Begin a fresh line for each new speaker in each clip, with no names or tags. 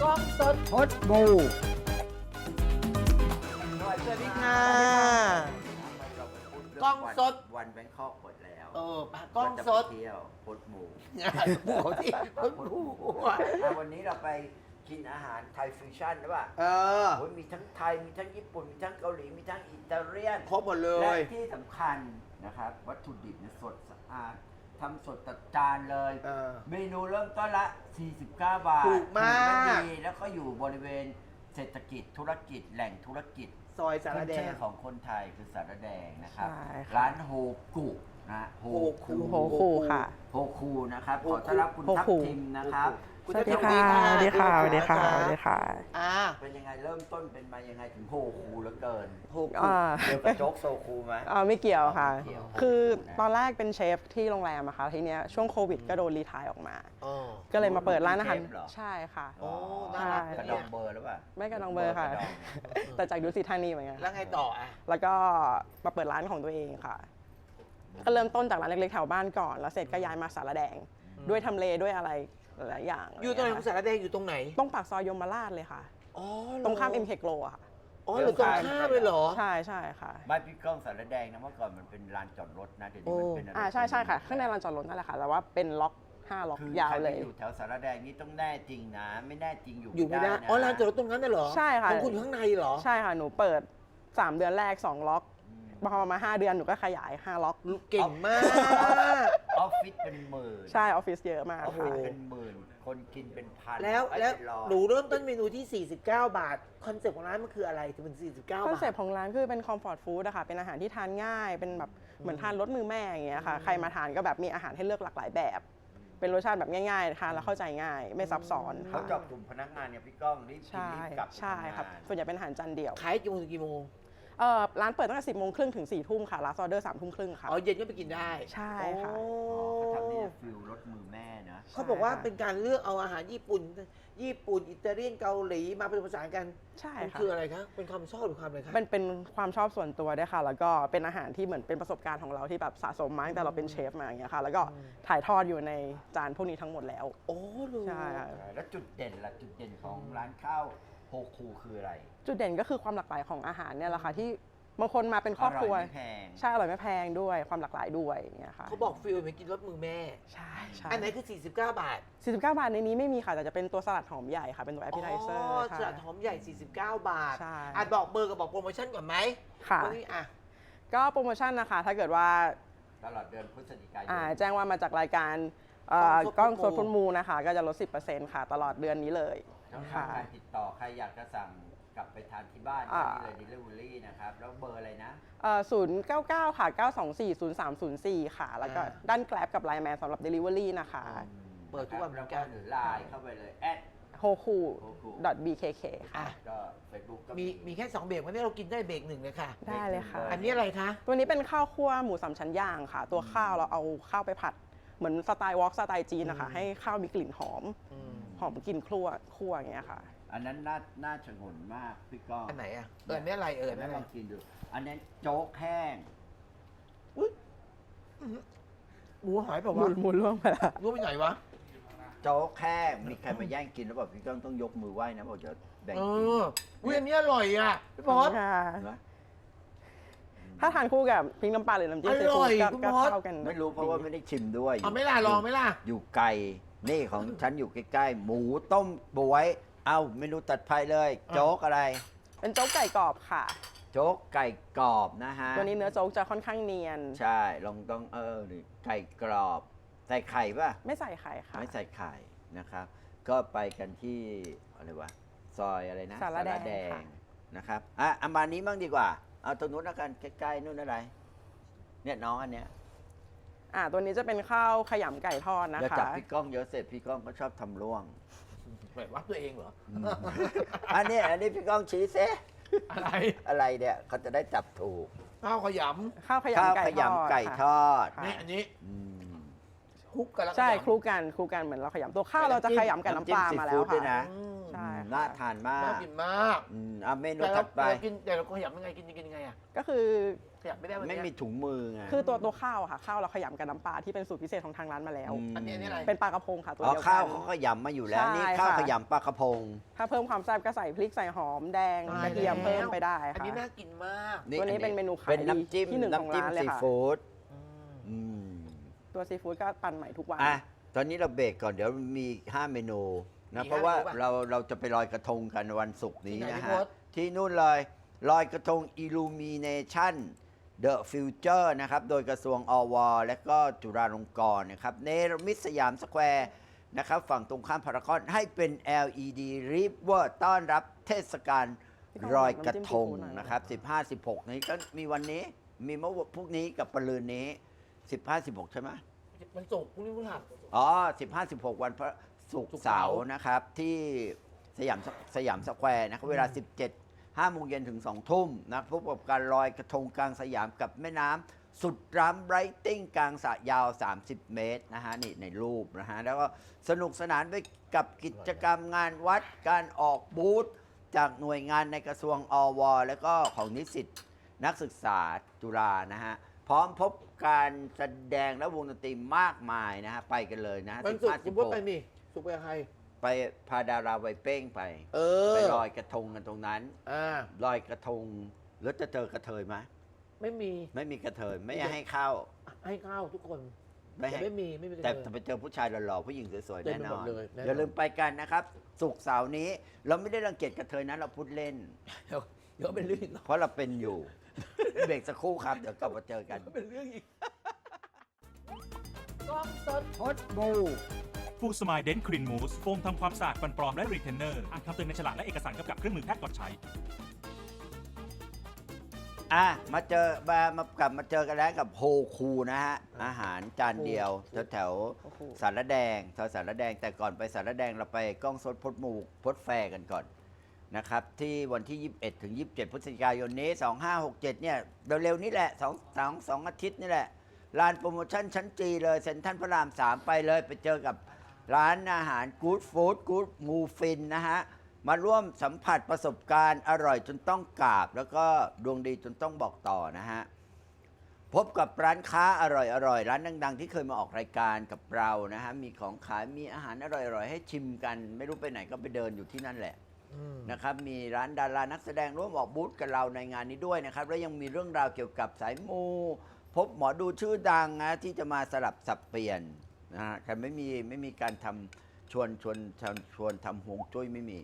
กล้องสด
พดบู
สวัสดีค่ะกล้องสด
วันแบงคอกหมดแล้ว
ปากกล้องสด
ก็จะไปเที่ยวพดหมู
หมูที่คนหมูอ่ะ
วันนี้เราไปกินอาหารไทยฟิวชั่นหรือเปล่า โอ้ยมีทั้งไทย มีทั้งญี่ปุ่น มีทั้งเกาหลี มีทั้งอิตาเลียน
ครบหมดเล
และ
ย
ที่สำคัญนะครับ วัตถุดิบเนี่ยสดสะอาดทำสดตัดจานเลย เมนูเริ่มต้นละ 49 บาท
ถูกมาก
ถูและดีแล้วก็อยู่บริเวณเศรษฐกิจธุรกิจแหล่งธุรกิจ
ซอยสารแด
ชื่
ง
อของคนไทยคือสารแดงนะครับ
ใช่ค่ะ
ร้านโฮกุนะโฮ
คุ
โฮคูค่ะ
โฮคูนะครับ
โฮ
ข
คุ
อต้อนรับคุณ
โฮ
ทัพ
คู
ทิมนะครับ
คุณ
สวัสดี
ทัพ
ค่ะ
ทิม
สวัสดีค่ะ สวัสดีค่ะ สวัสดีค่ะ
อ่า
เป็นยังไงเริ่มต้นเป็นมายังไงถึงโฮคูเหลือเกิน
โฮกุ
อ่า
เกี่ยวกับโจ๊กโซคูไหม
ไม่เกี่ยวค่ะ
ไม่เกี่ยว
คือตอนแรกเป็นเชฟที่โรงแรมอะค่ะ ทีเนี้ยช่วงโควิดก็โดนรีไทร์ออกมา
อ๋อ
ก็เลยมาเปิดร้านอาหาร
เป็นเชฟเหรอ
ใช่ค่ะ
โอ้น่ารัก
กระดองเบอร์หรือเปล่า
ไม่กระดองเบอร์ค่ะ
กระดอง
แต่จากดุสิตธานีเหมือนกัน
แล้วไงต่ออ่ะ
แล้วก็มาเปิดร้านของตัวเองค่ะ ก็เริ่มต้นจากร้านเล็กๆแถวบ้านก่อน แล้วเสร็จก็ย้ายมาสารแดง ด้วยทำเลด้วยอะไรหลายอย่าง
อยู่ตรงไหนของสารแดงอยู่ตรงไหน
ตรงปากซอยยมราชเลยค่ะ
อ๋อ
ตรงข้าม MK Glow อะค่ะ
อ๋อหรือตรงข้ามเลยเหรอ
ใช่ใช่ค่ะ
บ้านพี่ก้องสารแดงนะเมื่อก่อนมันเป็นลานจอดรถนะเดี๋ยวนี้มันเป็นอะไร
ใช่ใช่ค่ะ ข้างในลานจอดรถนั่นแหละค่ะ แต่ว่าเป็นล็อก5ล็อก
คือย
าว
ใคร
เล
ไป
ย
อยู่แถวสารแดงนี่ต้องแน่จริงนะ ไม่แน่จริงอยู่
อยู่ไม่ได้
นะ
อ๋อลานจอดรถตรงนั้นน่ะเหรอ
ใช่ค่ะ
ของคุณอยู่ข้างในเหรอ
ใช่ค่ะ หนูเปิด 3 เดือนแรก 2 ล็อก พอมา 5 เดือนหนูก็ขยาย 5 ล็อก
เก่งมาก
ออฟฟิศเป็นหมื่น
ใช่ออฟฟิศเยอะมาก
โอ้โห
ค่ะ
เป็นหมื่นคนกินเป็นพัน
แล้ว
ไอ้
แล้ว
เป็นร้อย
หนูเริ่มต้นเมนูที่ 49 บาท คอนเซ็ปต์ของร้านมันคืออะไรถึงเป็น 49 บาท
คอนเซ็ปต์ของร้านคือเป็นคอมฟอร์ตฟู้ดอะค่ะ เป็นอาหารที่ทานง่าย เป็นแบบเหมือนทานรสมือแม่อย่างเงี้ยค่ะ ใครมาทานก็แบบมีอาหารให้เลือกหลากหลายแบบ เป็นรสชาติแบบง่ายๆ ทานแล้วเข้าใจง่าย ไม่ซับซ้อน
เขา
ค่ะ
เจาะกลุ่มพนักงานเนี่ยพี่ก้องรีบกิน
ใช่
รีบกลับ
ใช่ครับ ส่วนใหญ่เป็นอาหารจานเดียว
ขายกี่โมงถึงกี่โมง
ร้านเปิดตั้งแต่ 10 โมงครึ่งถึง 4 ทุ่มค่ะ ลาสออเดอร์ 3 ทุ่มครึ่งค่ะ
อ๋อ เย็นก็ไปกินได้
ใช่ค่ะ
โอ้
เขาทำนี่ฟิลรสมือแม่นะ
เขาบอกว่าเป็นการเลือกเอาอาหารญี่ปุ่น อิตาเลียน เกาหลีมาผสมผสานกัน
ใช่
มัน
ค่ะ
คืออะไรคะ เป็นความชอบหรือความอะไรคะ
เป็นความชอบส่วนตัวด้วยค่ะ แล้วก็เป็นอาหารที่เหมือนเป็นประสบการณ์ของเราที่แบบสะสมมาตั้งแต่เราเป็นเชฟมาอย่างเงี้ยค่ะ แล้วก็ถ่ายทอดอยู่ในจานพวกนี้ทั้งหมดแล้ว
โอ้ลูก
ใช่ค่ะ
แล้วจุดเด่นล่ะจุดเด่นของร้านข้าวโฮคูคืออะไร
จุดเด่นก็คือความหลากหลายของอาหารเนี่ยแหละค่ะที่บางคนมาเป็นครอบครัว
อร่อยไม่แพง
ใช่อร่อยไม่แพงด้วยความหลากหลายด้วยอย่างเงี้ยค่ะ
เขาบอกฟิลเหมือนกินรสมือแม่
ใช่ใช่
อันไหนคือ 49 บาท
49 บาทในนี้ไม่มีค่ะ แต่จะเป็นตัวสลัดหอมใหญ่ค่ะ เป็นตัวแอปเปิลไทเซอร์
สลัดหอมใหญ่ 49 บาท
ใช่
อ่ะบอกเบอร์กับบอกโปรโมชั่นก่อนไหม
ค่ะ
วันนี้อ่ะ
ก็โปรโมชั่นนะคะ ถ้าเกิดว่า
ตลอดเดือนพฤศจิกายน
แจ้งว่ามาจากรายการ
กล้องสด
กล้องสดพุนมูนะคะ ก็จะลด 10%ค่ะ ตลอดเดือนนี้เลย
ช่องทา
ค่ะ
งการติดต่อใครอยากจะสั่งกลับไปทานที่บ้าน
อ่า
ก็มีเลย delivery นะครับ แล้วเบอร์อะไรนะ
099 ค่ะ 924 0304 ค่ะ แล้วก็ด้านแกลบกับไลน์แมนสำหรับ Delivery นะคะ
เปิดทุกวันเหมื
แล้ว
อนกั
ก็
น
หรือไลน์เข้าไปเลย
hoku.bkk ค่ะ
อ่ะ
ก็ Facebook ก็
มีแค่ 2 เบรกวันนี้เรากินได้เบรกหนึ่งเลยค่ะ
ได้เลยค่ะ
อันนี้อะไรคะ
ตัวนี้เป็นข้าวคั่วหมูสามชั้นย่างค่ะ ตัวข้าวเราเอาข้าวไปผัด เหมือนสไตล์วอล์กสไตล์จีนนะคะ ให้ข้าวมีกลิ่นหอม หอมกลิ่นคั่วอย่างเงี้ยค่ะ
อันนั้นน่าชงนมากพี่ก้อง
อันไหนอ่ะ อันนี้อะไรอันนี้
ล
อะไร
องกินดู อันนั้นโจ๊กแห้ง
หมูหายเปล่า
หมุ
วะ
นหมุนล่วงไปละ
รู้ไปไหนวะ
โจ๊กแห้งมีใครมาแย่งกินแล้วบอกพี่ก้องต้องยกมือไหว้นะบอกจะแบ่ง
เอ
กิน
ออุ้ยอันนี้อร่อยอ่ะพี่บอส
ค่ะ
นะ
ถ้าทานคู่กับพริกน้ำปลาหรือน้ำจิ้มซี
อร่
ฟู้
อ
ด
ย
ก็
คุณ
ก็
มอส
เข้ากัน
ไม่รู้เพราะว่าไม่ได้ชิมด้วย
เอาไหม่ล่ะลองไหม่ล่ะ
อยู่ไกลนี่ของฉันอยู่ใกล้ๆ หมูต้มบวย เอาเมนูตัดไฟเลย โจ๊กอะไร
เป็นโจ๊กไก่กรอบค่ะ
โจ๊กไก่กรอบนะฮะ
ตัวนี้เนื้อโจ๊กจะค่อนข้างเนียน
ใช่ลองต้องนี่ไก่กรอบ ใส่ไข่ป่ะ
ไม่ใส่ไข่ค่ะ
ไม่ใส่ไข่นะครับ ก็ไปกันที่อะไรวะซอยอะไรนะ
สารแดงค่ะ
นะครับอันมานี้บ้างดีกว่า เอาตรงนู้นแล้วกันใกล้ๆนู่นอะไร เนี่ยน้องอันเนี้ย
ตัวนี้จะเป็นข้าวขยำไก่ทอดนะ
เดี๋ยว
คะ
จับพี่ก้องเยอะเสร็จพี่ก้องก็ชอบทำร่วง
แบบว่าตัวเองเหรอ
อันนี้พี่ก้องชี้เซ
อะไร
อะไรเนี่ยเขาจะได้จับถูก
ข้าวขย
ข้าวข
ข้าวย
ำไก่
ข
ทอด
ยำไก่ท
ค่ะ
อด
ำนี่อันนี้
อืม
คลุกกันแล้ว
ใช่
ขยำ
คลุกกันเหมือนเราขยำตัวข้าวเราจะขยำกับน้ำปลามาแล้ว
น้ำจิ้มซีฟู้ดด้วย
ค่ะ
นะ
อืม
ใช่ค่ะ
น่าทานมาก
น่ากินมาก
เมนู
แต่เรา
ถัดไป
กินแต่เราขยำยังไงกินยังไงอ่ะ
ก็คือ
ขยำไม่ได้วัน
ไม่
เนี้ย
มีถุงมือไง
คือตัวข้าวอะค่ะข้าวเราขยำกับน้ำปลาที่เป็นสูตรพิเศษของทางร้านมาแล้ว
ม
อันนี้อะไร
เป็นปลากระพงค่ะตัว
อ๋อ
เดียวกั
ข้าวน เขาขยำมาอยู่แล้ว
ใช่
นี่ข้าว
ค่ะ
ขยำปลากระพง
ถ้าเพิ่มความแซ่บก็ใส่พริกใส่หอมแดง
ตาย
กระเทียม
แล้ว
เพิ่มไปได้
อัน
ค่ะ
นี้น่ากินมาก
ตัวนี้เป็นเมนูขาย
เป็นน้ำจิ้ม
ที่หนึ่งของ
น้ำจิ้ม
ร้านเลย
ซี
ค่ะ
ฟู้ด
อืม
อืม
ตัวซีฟู้ดก็ปั่นใหม่ทุกวัน
อ่ะตอนนี้เราเบรกก่อนเดี๋ยวมี5 เมนูนะ
มี
เพราะว่า
5เมนูป่ะ
เราจะไปลอยกระทงกันวันศุกร์นี้
ที่ไหน
นะ
พี่
ฮะ
พศ
ที่นู่นเลยลอยกระทง Illumination The Future นะครับ โดยกระทรวงอวและก็จุฬาลงกรณ์นะครับเนรมิตสยามสแควร์นะครับ ฝั่งตรงข้ามพารากอนให้เป็น LED River ต้อนรับเทศกาลลอยกระทงนะครับ 15-16 นี้ก็มีวันนี้มีเมื่อพรุ่งนี้กับปรืนนี้ 15-16 ใช่ไหม
มันสุกร์พรุ่งนี้พฤหัส
อ๋อ 15-16 วันพระศุกร์เสาร์นะครับ ที่สยามสแควร์นะครับ เวลา 5 โมงเย็นถึง 2 ทุ่มนะพบกับการลอยกระทงกลางสยามกับแม่น้ำสุดล้ำไรติ้งกลางสระยาว 30 เมตรนะฮะ นี่ในรูปนะฮะ แล้วก็สนุกสนานไปกับกิจกรรมงานวัดการออกบูธจากหน่วยงานในกระทรวงอว แล้วก็ของนิสิตนักศึกษาจุฬานะฮะ พร้อมพบการแสดงและวงดนตรีมากมายนะฮะ ไปกันเลยนะฮะ
มันสุกร์คุณพูดไปนี่สุกร์ไปกับใคร
ไปพาดาราไวเป้งไป
เออ
ไปลอยกระทงกันตรงนั้น
อ่า
ลอยกระทงแล้วจะเจอกระเทยไหม
ไม่มี
ไม่มีกระเทยไม่ให้เข้า
ให้ข้าวทุกคน
ไม่
แต่
ให้
ไม่มี
แต่
เลย
ไปเจอผู้ชายหล่อๆผู้หญิงสวยๆ
เต็
แน่
มไป
น
หม
อ
ด
น
เลยแน่นอน
อย่าลืมไปกันนะครับศุกร์เสาร์นี้ เราไม่ได้รังเกียจกระเทยนะเราพูดเล่น
เดี๋ยวเป็นเรื่องอีก
เพราะเราเป็นอยู่ เบรกสักครู่ครับเดี๋ยวกลับมาเจอกัน
เป็นเรื่องอีกกล้องสด
พดบู
ฟูสมายเดนครีนมูสโฟมทำความสะอาดฟันปลอมและรีเทนเนอร์อ่านคำเตือนในฉลากและเอกสารกำกับเครื่องมือแพทย์ก่อนใช้
กลับมาเจอกันแล้วกับโฮคูนะฮะ อาหารจานเดียวแถว
โอ้โห
สารแดงแถวสารแดงแต่ก่อนไปสารแดงเราไปกล้องสดพดหมูพดแฟร์กันก่อนนะครับ ที่วันที่ 21 ถึง 27 พฤศจิกายนนี้ 2567 เนี่ยเร็วๆนี้แหละ2 อาทิตย์นี่แหละลานโปรโมชั่นชั้นจีเลยเซ็นทรัลพระราม 3 ไปเลยไปเจอกับร้านอาหารกู๊ดฟู้ดกู๊ดมูฟินนะฮะ มาร่วมสัมผัสประสบการณ์อร่อยจนต้องกราบ แล้วก็ดวงดีจนต้องบอกต่อนะฮะ พบกับร้านค้าอร่อยร้านดังๆ ที่เคยมาออกรายการกับเรานะฮะ มีของขายมีอาหารอร่อยๆ ให้ชิมกัน ไม่รู้ไปไหนก็ไปเดินอยู่ที่นั่นแหละนะครับ มีร้านดารานักแสดงร่วมออกบูธกับเราในงานนี้ด้วยนะครับ แล้วยังมีเรื่องราวเกี่ยวกับสายมู พบหมอดูชื่อดังนะที่จะมาสลับสับเปลี่ยนนะฮะแต่ไม่มีการทำชวนทำฮวงจุ้ยไม่มี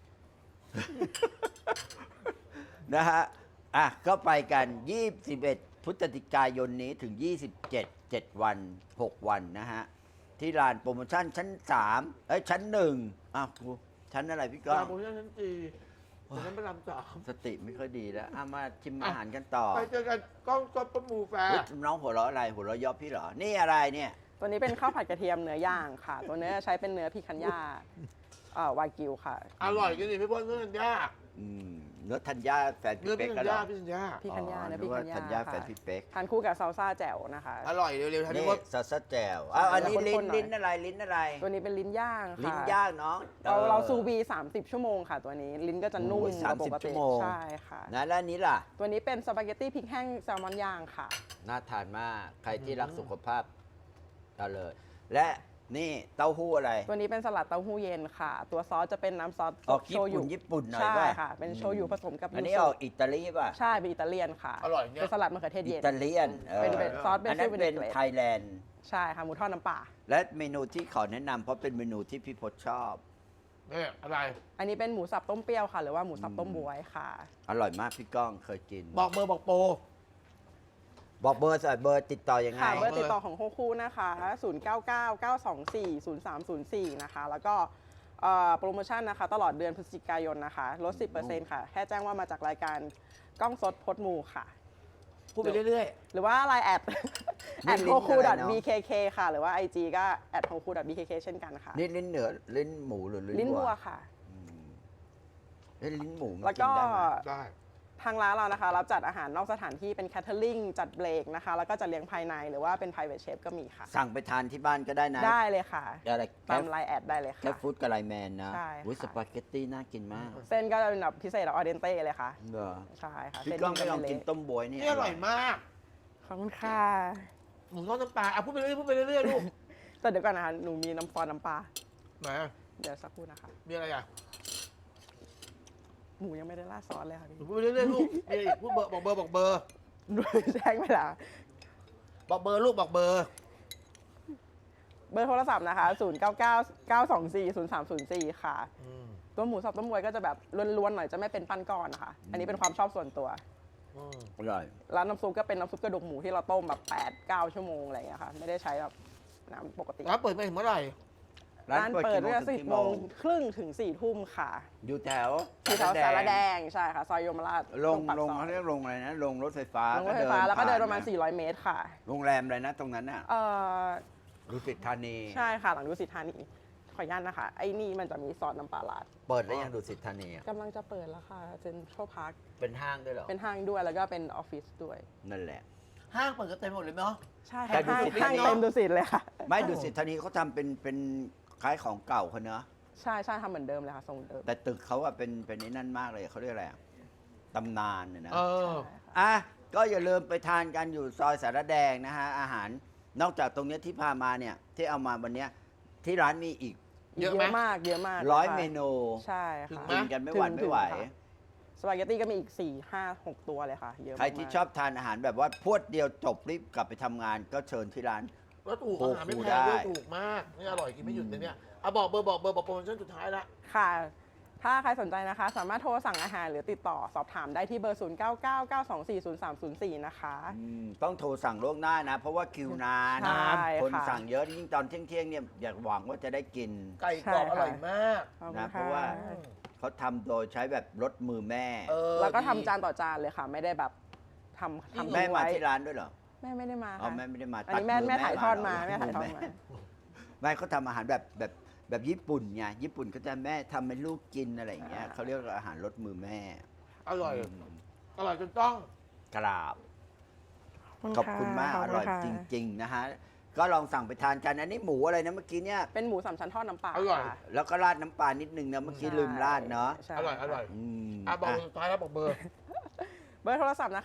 นะฮะ ก็ไปกัน 21 พฤศจิกายนนี้ถึง 27 7 วัน 6 วันนะฮะ ที่ลานโปรโมชั่นชั้น 3 ชั้น 1 ครูชั้นอะไรพี่ก้
ป
อ
ลาง โมชั่นชั้นจีชั้นพระรามสาม
สติไม่ค่อยดีแล้วมาชิมอาหารกันต่อ
ไปเจอกันกล้องสดประมูแฟร์
เฮ้ยน้องหัวเราะอะไร หัวเราะเยอบพี่เหรอ นี่อะไรเนี่ย
ตัวนี้เป็นข้าวผัดกระเทียมเนื้อย่างค่ะ ตัวเนื้อใช้เป็นเนื้อพิคันย่าวากิวค่ะ
อร่อยจริงๆพี่พลเนื้อธัญญา
เนื้อธัญญาแฟน
เนื้
พี่
อ
เป๊
พี่
ก
ธั
ก็
ญ
เหร
ญา
อ
พี่ธัญญา
พิคันย่าเนื้อพิคันย่า
ธัญญาแฟน
ค่ะ
พี่เป๊ก
ทานคู่กับซาลซ่าแจ่วนะคะ
อร่อยเร็วๆทัน
นี่
พี่พล
ซอสแจ่วอันนี้
ข้นๆหน่อย
ลิ้นอะไรลิ้นอะไร
ตัวนี้เป็นลิ้นย่างค่ะ
ลิ้นย่างน้อง
เราซูบี 30 ชั่วโมงค่ะ ตัวนี้ลิ้นก็จะนุ่ม
โอ้ย
กว่าปก
30ชั่
ติ
วโมง
ใช่ค่ะ
นะแล้วอันนี้ล่ะ
ตัวนี้เป็นสปาเกตตี้พริกแห้งแซลมอนย่างค่ะ
น่าทานมาก ใครที่รักสุขภาพเอาเลย และนี่เต้าหู้อะไร
ตัวนี้เป็นสลัดเต้าหู้เย็นค่ะ ตัวซอสจะเป็นน้ำซอส
ออก
โชยุ
ญี่ปุ่นหน่อย
ใช่
ป่ะ
ค่ะ เป็นโชยุผสมกับ
อันนี้
ยู
อ
สุ
อกอิตาลีป่ะ
ใช่เป็นอิตาเลียนค่ะ
อร่อยเนี่ย
เป็นสลัดมะเขือเทศ
อิ
เย็น
ตาเลียน
เป็นซอสเบ
อัน
ซิ
นั้
ล
น
วินิ
เป็น
เกรต
ไทยแลนด์
ใช่ค่ะหมูทอดน้ำปลา
และเมนูที่ขอแนะนำเพราะเป็นเมนูที่พี่พศชอบ
เนี่ยอะไร
อันนี้เป็นหมูสับต้มเปรี้ยวค่ะ หรือว่าหมูสับต้มบวยค่ะ
อร่อยมากพี่ก้องเคยกิน
บอกเบอร์บอกโปร
บอกเบอร์เบอร์ติดต่อยังไง
ค่ะเบอร์ติดต่อของโฮคูนะคะ 0999240304 นะคะ แล้วก็โปรโมชั่นนะคะ ตลอดเดือนพฤศจิกายนนะคะ ลด 10%ค่ะ แค่แจ้งว่ามาจากรายการกล้องสดพดมูค่ะ
พูดไปเรื่อย
หรือว่าไลน์แอด
นี่
at
ลิ้น
hoku
อะไรเนอะ
bkk ค่ะ หรือว่า IG ก็ at hoku bkk เช่นกันค่ะ
นี่ลิ้นเหนือลิ้นหมูหรือลิ้น
ลิ้น
วั
วั
ว
วค่ะ
เอ้ยลิ้นหมูมัน
แล้ว
กิ
ก็
นได้ไหม
ๆ ได้
ทางร้านเรานะคะรับจัดอาหารนอกสถานที่เป็นแคทเทอริงจัดเบรกนะคะแล้วก็จัดเลี้ยงภายในหรือว่าเป็น private chef ก็มีค่ะ
สั่งไปทานที่บ้านก็ได้นะ
ได้เลยค่ะ
อะไร
ตามไลน์แอดได้เลย
แค่
ค่ะ
ฟู้ดกับไลน์แมนนะ
ใช่
อุ้ย
ค่ะ
สปาเกตตี้น่ากินมาก
เส้นก็จะเป็นแบบพิเศษออเดนเต้เลยค่ะ
เหรอ
ใช่ค่ะ
พี่
เส้น
ก้องไม่ลอง
จะ
กิน
เละ
ต้มบวยนี่
นี่อร่อยมาก
ขอบคุณค่ะ
หมูทอดน้ำปลาพูดไปเรื่อยพูดไปเรื่อยลูก
แต่เดี๋ยวก่อนนะคะหนูมีน้ำซอสน้ำปลา
ไหน
เดี๋ยวสักครู่นะคะ
มีอะไรอ่ะ
หมูยังไม่ได้ราดซอสเลยค่ะพี่
หนูพูดไปเรื่อยลูกมีอะไรอีกพูดเบอร์บอกเบอร์บอกเบอร์
แจ้งไปแล้ว
บอกเบอร์ลูกบอกเบอร์
เบอร์โทรศัพท์นะคะ 0999240304 ค่ะ ตัวหมูสับต้มบวยก็จะแบบล้วนๆหน่อยจะไม่เป็นปั้นก้อนนะคะ อันนี้เป็นความชอบส่วนตัว
อร่อย
ร้านน้ำซุปก็เป็นน้ำซุปกระดูกหมูที่เราต้มแบบ8-9 ชั่วโมงอะไรอย่างเงี้ยค่ะ ไม่ได้ใช้แบบน้ำปกติ
ร้านเปิดไปถึงเมื่อไหร่
ร้านเปิด
กี่
ตั้งแต่
ถึ
10 โมงครึ่งถึง 4 ทุ่มค่ะ
อยู่แถว
ที่แถวสารแดงใช่ค่ะ ซอยยมราช
ลง
ตรปาก
ลง
ซอย
เขาเรียกลงอะไรนะ ลงรถไฟฟ้า
ลงรถไฟฟ้าแล้วก็เดินประมาณ
ผ่
400 เมตรค่ะ
โรงแรมอะไรนะตรงนั้นน่ะ
เอ่อ
ดุสิตธานี
ใช่ค่ะ หลังดุสิตธานีขออนุญาตนะคะ ไอ้นี่มันจะมีซอสน้ำปลาร้า
เปิดแล้วยังดุสิตธานีอะ
กำลังจะเปิดแล้วค่ะเซ็นทรัลพาร์ค
เป็นห้างด้วยเหรอ
เป็นห้างด้วยแล้วก็เป็นออฟฟิศด้วย
นั่นแหละ
ห้างเปิดก็เต็มหมดเลยเนาะ
ใช่
แต่
ค่ะ
ดุ
ห้าง
สิตธานี
ห้างเต็มดุสิตเลยค่ะ
ไม่ดุสิตธานีเขาทำเป็นคล้ายของเก่าเขาเนอะ
ใช่ใช่ทำเหมือนเดิมเลยค่ะทรงเดิม
แต่ตึกเขาอะเป็นไอ้นั่นมากเลยเขาเรียกอะไรอะตำนานเนี่ยนะ
เออ
อ่ะก็อย่าลืมไปทานกันอยู่ซอยสารแดงนะฮะอาหารนอกจากตรงเนี้ยที่พามาเนี่ยที่เอามาวันเนี้ยที่ร้านมีอีก
เยอะไหม
มากเยอะมาก
ร้อย
ค่ะ
เมนู
ใช่
ถึง
ค่ะ
ไหม
กินกันไม่หวั่นไม่ไหว
ค่ะสปาเกตตี้ก็มีอีก 4-5-6 ตัวเลยค่ะเยอะมาก
ใครที่ชอบทานอาหารแบบว่าพรวดเดียวจบรีบกลับไปทำงานก็เชิญที่ร้าน
แล้วถูก
โอ้
อาหารไม่
โห
แพงด้วย
ได้
ถูกมากนี่อร่อยกินไม่หยุดเลยเนี่ยเอาบอกเบอร์บอกเบอร์บอกโปรโมชั่นสุดท้ายละ
ค่ะ ถ้าใครสนใจนะคะ สามารถโทรสั่งอาหารหรือติดต่อสอบถามได้ที่เบอร์ 0999240304 นะคะ
ต้องโทรสั่งล่วงหน้านะ เพราะว่าคิวนาน
ใช่
คน
ค่ะ
สั่งเยอะยิ่งตอนเที่ยงๆเนี่ยอยากหวังว่าจะได้กิน
ไก่กรอบ
ใช่
อ
ค่ะ
ร่อยมาก
ขอบคุณ
นะเพ
ค่
ราะว่า เขาทำโดยใช้แบบรสมือแม่
เออ
แล้วก็ทำ
ดี
จานต่อจานเลยค่ะ ไม่ได้แบบทำ
จริงเหรอ
แม่
ทิ้ง
มา
ไว้
ที่ร้านด้วยเหรอ
แม่ไม่ได้มา
อ๋อ
ค่ะ
แม่ไม่ได้มา
อันนี้
ตัด
แม่ถ่ายทอดมา
เหร
แม่ถ่ายทอดมา
แม่เขาทำอาหารแบบญี่ปุ่นไงญี่ปุ่นก็จะแม่ทำให้ลูกกินอะไรอย่างเงี้ยเขาเรียกว่าอาหารรสมือแม่
อร่อย
อืม
อร่อยจนต้อง
กราบ ขอบคุณมาก
ข
อบ
คุณ
ร่อย
ค่ะ
จริง ๆ นะฮะ ก็ลองสั่งไปทานกัน อันนี้หมูอะไรนะเมื่อกี้เนี่ย
เป็นหมูสามชั้นทอดน้ำปลา
อร่อย
ค่ะ
แล้วก็ราดน้ำปลานิดนึงนะเมื่อกี้ลืมราดเนาะ
ใช่
อร่อยอร่อย
อืม
อ่ะบอก
อ่ะ
สุดท้ายแล้วบอกเบอร์
เบอร์โทรศัพท์นะคะ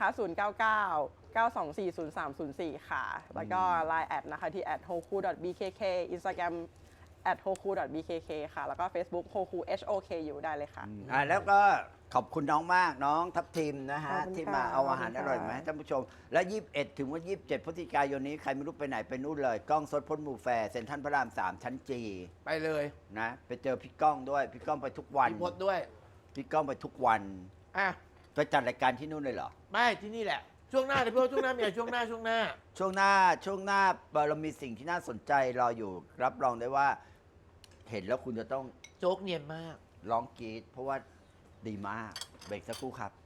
0999240304 ค่ะ แล้วก็ Line แอดนะคะที่ @hoku.bkk Instagram @hoku.bkk ค่ะ แล้วก็ Facebook hoku HOKU ได้เลยค่ะ
แล้วก็ขอบคุณน้องมากน้องทัพทีมนะฮะ
ขอบคุณค่ะ
ที่มาเอาอาหาร
ขอบคุณค่ะ
อร่อยมาให้ท่านผู้ชม และ 21 ถึงวัน 27 พฤศจิกายนนี้ ใครไม่รู้ไปไหนไปนู่นเลย กล้องสดพ้นหมู่แฟร์เซ็นทรัลพระราม 3 ชั้นจี
ไปเลย
นะไปเจอพี่ก้องด้วย พี่ก้องไปทุกวัน
มีพดด้วย
พี่ก้องไปทุกวัน
อ่ะ
ไปจัดรายการที่นู่นเลยเหรอ
ไม่ที่นี่แหละ ช่วงหน้าเดี๋ยวพี่ว่าช่วงหน้ามีอะไรช่วงหน้า
ช่วงหน้าเรามีสิ่งที่น่าสนใจรออยู่ รับรองได้ว่า เห็นแล้วคุณจะต้อง
โจ๊กเนียนมาก
ร้องกรี๊ดเพราะว่าดีมาก เบรกสักครู่ครับ